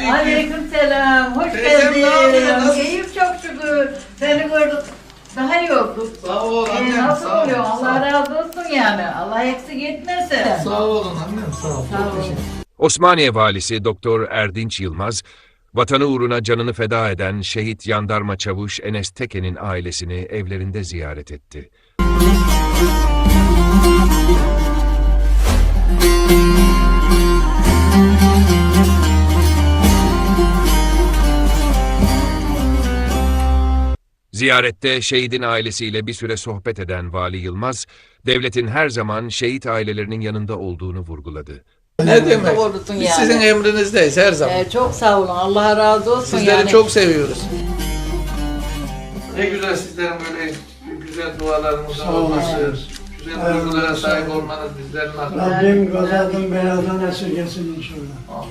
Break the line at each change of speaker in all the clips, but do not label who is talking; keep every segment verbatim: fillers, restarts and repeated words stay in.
aleyküm.
Aleykümselam. Hoş
Teyzem ne yapıyor,
geldin.
nasılsın?
İyiyim çok şükür. Seni gördük. Daha iyi olduk.
Sağ ol
Ee,
annem.
nasıl
sağ ol,
oluyor?
sağ ol.
Allah razı olsun yani. Allah eksik etmesin.
Sağ olun annem. Sağ ol.
Sağ ol.
Osmaniye Valisi Doktor Erdinç Yılmaz, vatanı uğruna canını feda eden şehit jandarma çavuş Enes Teke'nin ailesini evlerinde ziyaret etti. Ziyarette şehidin ailesiyle bir süre sohbet eden Vali Yılmaz, devletin her zaman şehit ailelerinin yanında olduğunu vurguladı.
Ne demek?
Doğrusun
Biz
yani.
sizin emrinizdeyiz her zaman.
Ee, çok sağ olun. Allah razı olsun
Sizleri
yani.
çok seviyoruz. Ne güzel sizlerin böyle güzel dualarınızın olması, güzel duygulara sahip olmanız bizlerin hakkında.
Rabbim gazadan beladan esirgesin inşallah.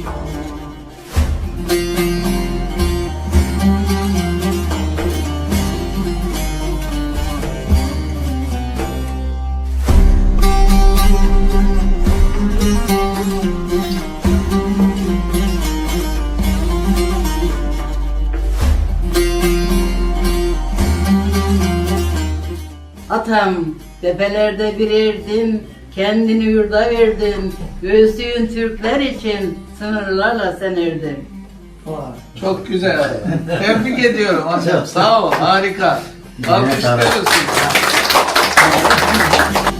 Atam, tepelerde bir erdin, kendini yurda verdin, göğsüğün Türkler için sınırlarla sen erdin.
Çok güzel. Tebrik ediyorum hocam. Sağ ol. Harika. Alkışlıyoruz sizi.